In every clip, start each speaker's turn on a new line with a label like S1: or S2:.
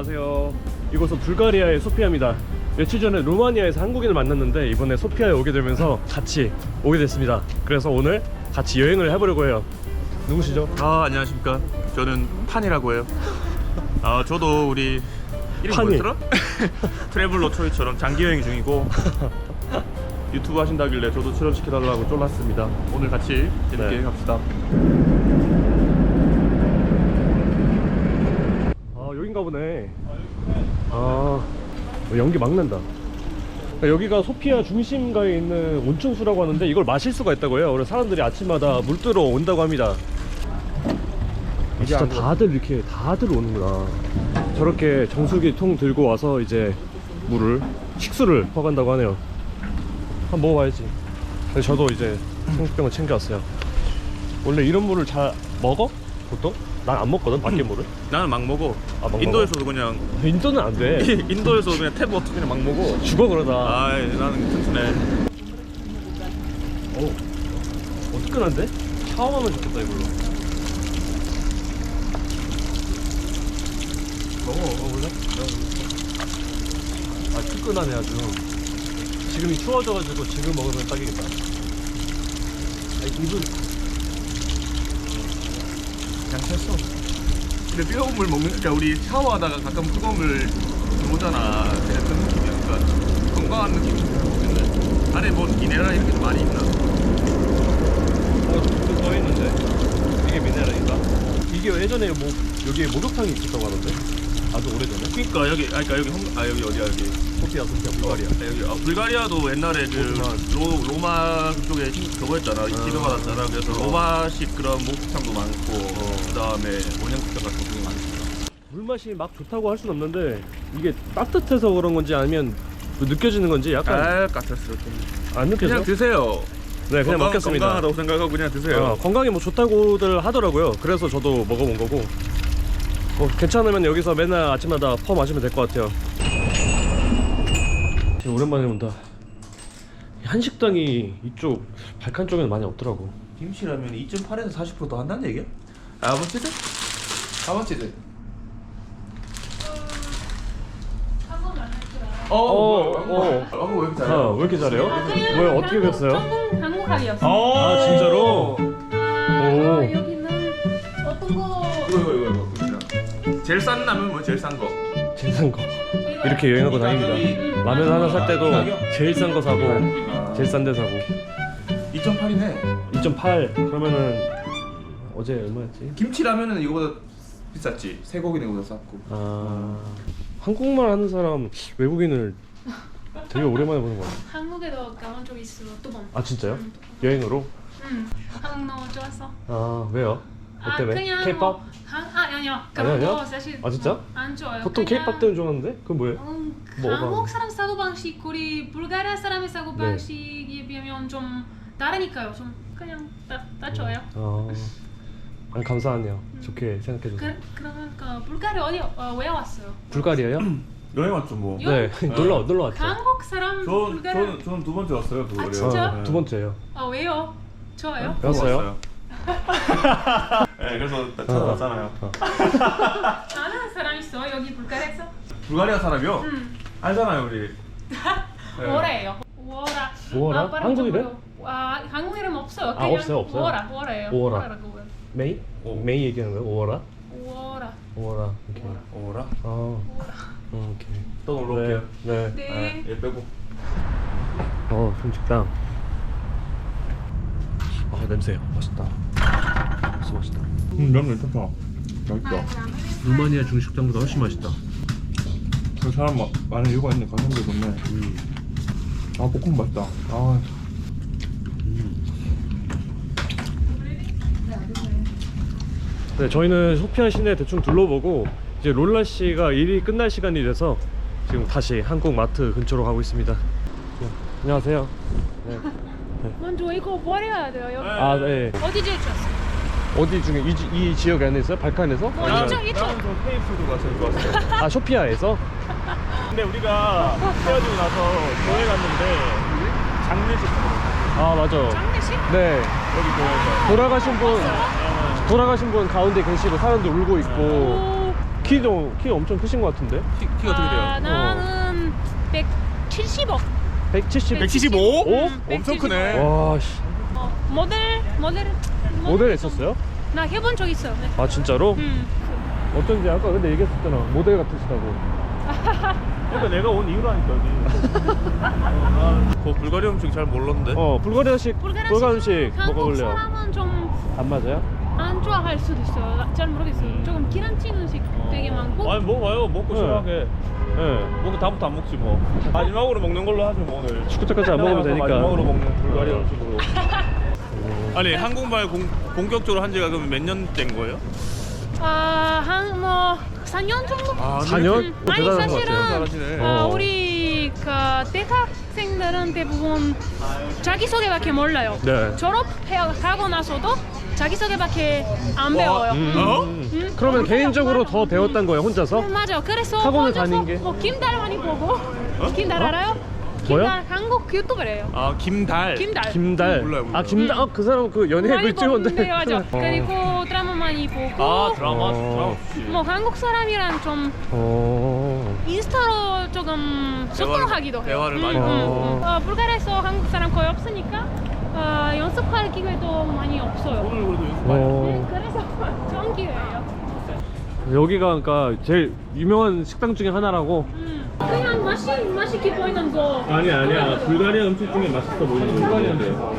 S1: 안녕하세요. 이곳은 불가리아의 소피아입니다. 며칠 전에 루마니아에서 한국인을 만났는데 이번에 소피아에 오게 되면서 같이 오게 됐습니다. 그래서 오늘 같이 여행을 해보려고 해요. 누구시죠?
S2: 안녕하십니까. 저는 판이라고 해요. 저도 우리 이름이
S1: 판이.
S2: 뭐였더라? 트래블러 초이처럼 장기 여행 중이고 유튜브 하신다길래 저도 출연시켜달라고 쫄랐습니다. 오늘 같이 재밌게
S1: 네.
S2: 갑시다.
S1: 여긴가 보네. 연기 막 난다. 여기가 소피아 중심가에 있는 온천수라고 하는데 이걸 마실 수가 있다고 해요. 그래서 사람들이 아침마다 물 뜨러 온다고 합니다. 진짜 다들 이렇게 다들 오는구나. 저렇게 정수기 통 들고 와서 이제 식수를 퍼간다고 하네요. 한번 먹어봐야지. 근데 저도 이제 생수병을 챙겨왔어요. 원래 이런 물을 잘 먹어? 보통? 난 안 먹거든, 밖에 물을.
S2: 나는 막 먹어.
S1: 막
S2: 인도에서도 그냥
S1: 인도는 안 돼.
S2: 인도에서도 그냥 탭 워터 그냥 막 먹어.
S1: 죽어 그러다.
S2: 나는 튼튼해.
S1: 뜨끈한데? 샤워하면 좋겠다 이걸로. 먹어볼래? 뜨끈하네 아주. 지금이 추워져가지고 지금 먹으면 딱이겠다. 입은
S2: 그냥 쳤어. 근데 뜨거운 물 먹으니까 우리 샤워하다가 가끔 뜨거운 물 들어오잖아. 그냥 그런 느낌이야. 그러니까 건강한 느낌이 들어오겠네. 안에 뭐 미네랄 이런 게 좀 많이 있나?
S1: 또 써있는데 이게 미네랄인가? 이게 예전에 뭐 여기에 목욕탕이 있었다고 하던데? 아주 오래전에?
S2: 그러니까 여기 여기 어디야 여기?
S1: 소피아 불가리아.
S2: 여기 불가리아도 옛날에 그 로마 쪽에 그거였잖아. 지배받았잖아. 그래서 로마식 그런 목욕탕도 많고 그다음에 원형국장 같은 게 많습니다.
S1: 물맛이 막 좋다고 할 순 없는데 이게 따뜻해서 그런 건지 아니면 뭐 느껴지는 건지 약간
S2: 까탈스럽게.
S1: 안 느껴져?
S2: 그냥 드세요.
S1: 네, 그냥 먹겠습니다.
S2: 건강하다고 생각하고 그냥 드세요.
S1: 건강에 뭐 좋다고들 하더라고요. 그래서 저도 먹어본 거고 괜찮으면 여기서 맨날 아침마다 퍼 마시면 될 것 같아요. 오랜만에 온다. 한식당이 이쪽 발칸 쪽에는 많이 없더라고.
S2: 김치라면 2.8에서 40% 더 한다는 얘기야? 아버지들? 아버지들? 왜 이렇게 잘해?
S1: 왜 이렇게 잘해요? 뭐야, 어떻게 됐어요?
S3: 전공 한국학이었어요.
S1: 진짜로?
S3: 여기는 어떤 거?
S2: 이거. 제일 싼 라면 뭐 제일 싼 거?
S1: 제일 싼 거. 이렇게 여행하고 다닙니다. 라면 하나 살 때도 제일 싼 거 사고 제일 싼 데 사고.
S2: 2.8이네.
S1: 2.8 그러면은 어제 얼마였지?
S2: 김치 라면은 이거보다 비쌌지. 쇠고기는 이거보다 쌌고.
S1: 한국말 하는 사람 외국인을 되게 오랜만에 보는 거 같아.
S3: 한국에도 가본 적 있어. 두 번.
S1: 진짜요? 여행으로?
S3: 한국 너무 좋았어.
S1: 왜요? 뭐 때문에?
S3: 그냥
S1: K-pop?
S3: 뭐, 아니요. 그런
S1: 아니요?
S3: 거 사실
S1: 진짜?
S3: 안 좋아요.
S1: 보통
S3: 그냥,
S1: K-pop 때문에 좋아하는데? 그건 뭐예요? 뭐가?
S3: 한국 사람 사고 방식, 우리 불가리아 사람의 사고
S1: 네.
S3: 방식에 비하면 좀 다르니까요. 좀 그냥 다 좋아요.
S1: 감사하네요. 좋게 생각해줘서.
S3: 그러면 불가리아 왜 왔어요?
S1: 불가리아요?
S2: 여행 왔죠 뭐.
S1: 네, 놀러 왔죠.
S3: 한국 사람 불가리아.
S2: 저는 두 번째 왔어요. 불가리아.
S3: 진짜?
S1: 두 번째요.
S3: 왜요? 좋아요?
S1: 왔어요?
S2: 네, 그래서 찾아왔잖아요.
S3: 아는 사람 있어 여기 불가리아에서?
S2: 불가리아 사람이요? 알잖아요 우리.
S3: 워라예요. 워라.
S1: 워라? 한국 이름?
S3: 한국 이름 없어요.
S1: 없어요?
S3: 워라예요.
S1: 워라.
S3: 워라라고 해요.
S1: 메이? 메이 얘기하는 거예요? 오어라?
S3: 워라.
S1: 오어라. 오케이.
S2: 오라?
S1: 오케이.
S2: 또 놀러 올게요.
S1: 네.
S3: 네.
S2: 얘 빼고.
S1: 중식당. 냄새 맛있다. 진짜 맛있다.
S2: 면 괜찮다. 맛있다.
S1: 루마니아 중식당보다 훨씬 맛있다.
S2: 그 사람 많은 이유가 있네. 가성비 좋네. 볶음 맛있다.
S1: 네, 저희는 소피아 시내 대충 둘러보고 이제 롤라 씨가 일이 끝날 시간이 돼서 지금 다시 한국 마트 근처로 가고 있습니다. 안녕하세요. 네.
S3: 먼저 이거 버려야 돼요. 여기.
S1: 네.
S3: 어디 제일 좋았어요?
S1: 어디 중에 이 지역 안에 있어요? 발칸에서?
S3: 이쪽.
S2: 나는 좀 페이푸드가 제일 좋았어요.
S1: 소피아에서?
S2: 근데 우리가 헤어지고 나서 교회 갔는데 장례식
S1: 맞아.
S3: 장례식?
S1: 네.
S2: 여기 교회에서
S1: 돌아가신 분 가운데 계시고 사람들 울고 있고 키도 엄청 크신 것 같은데?
S2: 키가 어떻게 돼요?
S3: 나는 175.
S1: 170?
S2: 175?
S1: 오?
S2: 엄청 크네.
S1: 와, 씨. 모델 했었어요?
S3: 나 해본 적 있어요. 네.
S1: 아, 진짜로? 어쩐지 아까 근데 얘기했었잖아. 모델 같으시다고. 그러니까 내가 온 이유라니까, 여기.
S2: 그 불가리아 음식 잘 몰랐는데.
S1: 불가리아식 음식
S3: 한국
S1: 먹어볼래요.
S3: 사람은 좀 안
S1: 안 맞아요?
S3: 좋아할 수도 있어요. 잘 모르겠어요. 조금 기름진 음식 되게 많고.
S2: 아니 먹어봐요. 먹고
S1: 네.
S2: 시원하게.
S1: 네.
S2: 먹고 다음부터 안 먹지 뭐. 마지막으로 먹는 걸로 하죠 뭐 오늘.
S1: 축구차까지 안 먹으면 되니까.
S2: 마지막으로 먹는 불가리아 음식으로. 아니 한국말 본격적으로 한 지가 그럼 몇 년 된 거예요?
S3: 한 뭐 4년 정도?
S1: 4년?
S3: 아니
S1: 대단한 것
S3: 사실은
S1: 같아요.
S2: 잘하시네.
S3: 우리 그 대학생들은 대부분 자기소개밖에 몰라요.
S1: 네.
S3: 졸업하고 나서도 자기소개밖에 안 배워요.
S1: 그러면 개인적으로 더 배웠단 거예요, 혼자서?
S3: 맞아. 그래서
S1: 학원을
S3: 혼자서
S1: 다닌 게?
S3: 뭐 김달 많이 보고. 김달 알아요?
S1: 뭐요?
S3: 김달 한국 유튜버래요.
S2: 아 김달.
S1: 김달.
S2: 몰라요.
S1: 아, 김달. 그 사람 그 연예인
S3: 많이
S1: 글 찍었는데.
S3: 보는데 맞아. 그리고 드라마 많이 보고.
S2: 아 드라마.
S3: 뭐 한국 사람이랑 좀 인스타로 조금 소통하기도 해요.
S2: 대화를 많이 하고.
S3: 불가리아에서 한국 사람 거의 없으니까 연습할 기회도 많이 없어요.
S2: 오늘 그래도 연습 많이 했어.
S3: 그래서 좋은 기회예요.
S1: 여기가 그러니까 제일 유명한 식당 중에 하나라고.
S3: 그냥 맛있게 보이는 거.
S2: 아니야. 불가리아 음식 중에 맛있어 보이는 불가리아인데요.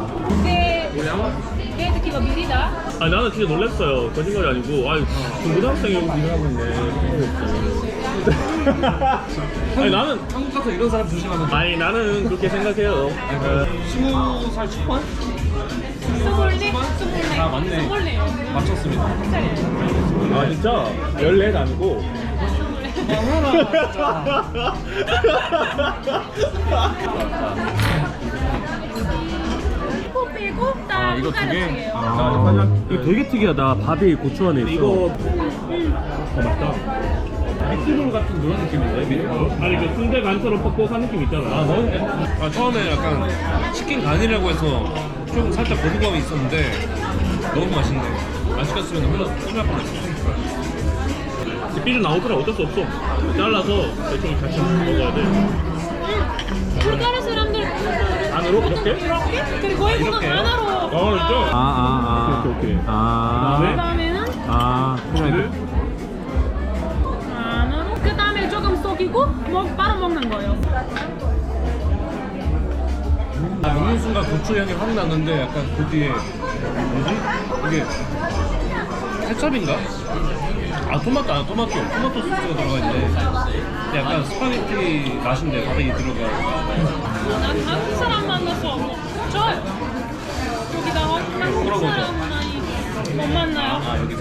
S3: 내 느낌가 미리다.
S2: 아 나는 진짜 놀랐어요. 거짓말이 아니고. 아 중고등학생이 여기서 일을 하고 있네. 아니 나는
S4: 한국 가서 이런 사람 조심하면
S2: 아니 나는 그렇게 생각해요.
S4: 20살 초반?
S3: 스물네.
S4: 아, 맞네.
S3: 스물네.
S4: 맞췄습니다.
S2: 아 진짜 14 아니고.
S3: 빼고 다
S4: 이거 두 개?
S3: 불가리아예요.
S1: 이거 되게 특이하다. 밥이 고추 안에 있어.
S2: 이거 맞다. 미트볼 같은 그런 느낌인데 미트볼? 아니 그 순대 간처럼 퍽퍽한 느낌 있잖아.
S4: 처음에 약간 치킨 간이라고 해서 좀 살짝 거부감이 있었는데 너무 맛있네. 안 시켰으면 혼날 뻔했어.
S2: 삐를 나오더라. 어쩔 수 없어. 잘라서 대충 같이 먹어야 돼.
S3: 불가리아 사람들
S2: 안으로 이렇게?
S3: 그리고 이거는
S4: 이렇게요?
S3: 하나로.
S2: 진짜? 오케이.
S3: 그다음에는
S2: 치즈?
S3: 안으로. 그다음에 조금 속이고 바로 먹는 거예요.
S4: 먹는 순간 고추 향이 확 나는데 약간 그 뒤에 뭐지? 이게 케첩인가? 토마토 소스가 들어가 있는데 약간 스파게티 맛인데 바닥에 들어가.
S3: 난 한국 사람 만나서 좋아요. 여기다 한국 사람 많이 못 만나요.
S4: 여기서?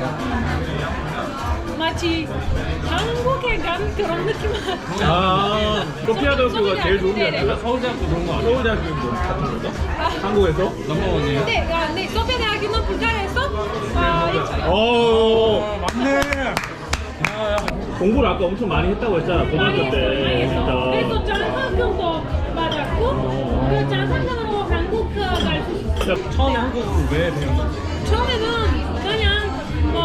S3: 마치 한국에 간 그런 느낌.
S2: 소피아대학교가 제일 좋은 게 아니라
S4: 서울대학교 그런 거 아니야?
S2: 서울대학교 뭐 같은 건가? 한국에서?
S4: 넘버원이에요?
S3: 네, 소피아 대학교는 불가리아에서 있어요.
S2: 맞네. 공부를 아까 엄청 많이 했다고 했잖아 고등학교 때. 진짜.
S3: 그래서 장학금도 받았고 그 장학금으로 한국 갈 수 있어요.
S4: 처음에 한국어를 왜 배웠는지.
S3: 처음에는 그냥 뭐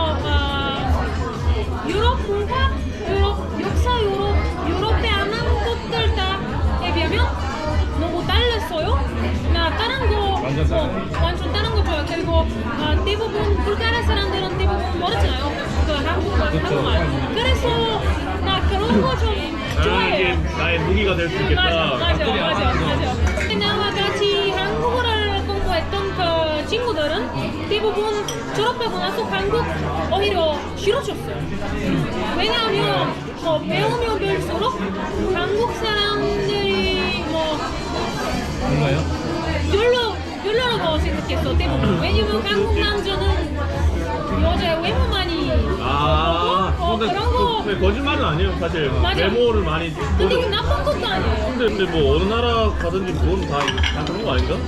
S3: 유럽 문화, 역사, 유럽에 아는 것들 다에 비하면 너무 달랐어요. 나 다른 거 완전 다른 거 좋아요. 그리고 대부분 불가리아 사람들은 대부분 모르잖아요. 그 한국말. 그래서 나 그런 거 좀 좋아해요.
S2: 이게 나의 무기가 될 수 있겠다.
S3: 맞아. 나와 같이 한국어를 공부했던 그 친구들은 대부분 졸업하고 나서 한국 오히려 싫어졌어요. 왜냐하면 배우면 배울수록 한국 사람들이
S4: 뭔가요?
S3: 별로라고 생각했어 대부분. 왜냐면 한국 남자는 여자 외모만이 그런 거.
S2: 근데 거짓말은 아니에요 사실.
S3: 맞아.
S2: 외모를 많이.
S3: 근데 이게 나쁜 것도 아니에요.
S2: 근데 뭐 어느 나라 가든지 그건 다 그런 거 아닌가?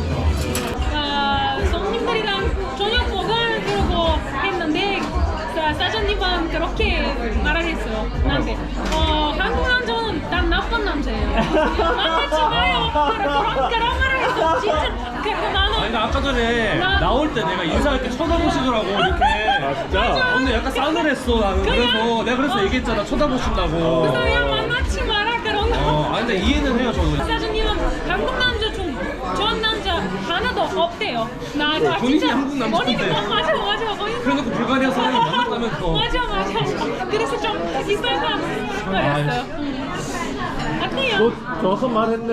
S3: 손님들이랑 저녁 먹을 그러고 했는데 사장님은 그렇게 말했어요. 나한테 한국 남자는 난 나쁜 남자예요. 만나지 마요. 그런 말을 했어. 진짜. 그래서 나는
S4: 내가 아까 전에 나올 때 내가 인사할 때 쳐다보시더라고 이렇게.
S1: 아 진짜?
S4: 근데 약간 싸늘했어 나는. 그래서 내가 그래서 얘기했잖아 쳐다보신다고.
S3: 그냥 만나지 마라 그런 거.
S4: 아 근데 이해는 해요 저도.
S3: 사장님은 한국 남자 좀 좋은 남자 하나도 없대요. 나
S4: 본인이
S3: 진짜
S4: 한국 남자인데.
S3: 본인이 맞아 본인.
S4: 그래놓고 불가리아 사람이 만났다면서.
S3: 맞아. 그래서 좀 이상한 거였어요. 어때요?
S1: 너 정확한 말 했네.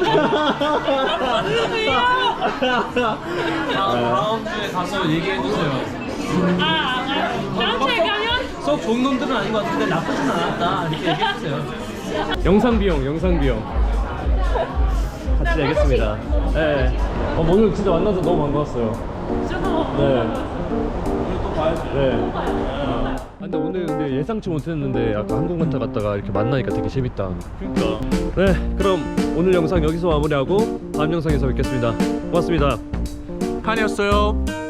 S4: 다음 주에 가서 얘기해주세요.
S3: 다음 주에 가면
S4: 썩 좋은 놈들은 아닌 것 같은데 나쁘진 않았다 이렇게 얘기해주세요.
S1: 영상 비용 같이 내겠습니다. 네. 오늘 진짜 만나서 너무 반가웠어요. 네. 네. 근데 오늘 예상치 못했는데 아까 항공관타 갔다가 이렇게 만나니까 되게 재밌다.
S2: 그러니까.
S1: 네, 그럼 오늘 영상 여기서 마무리하고 다음 영상에서 뵙겠습니다. 고맙습니다.
S2: 칸이었어요.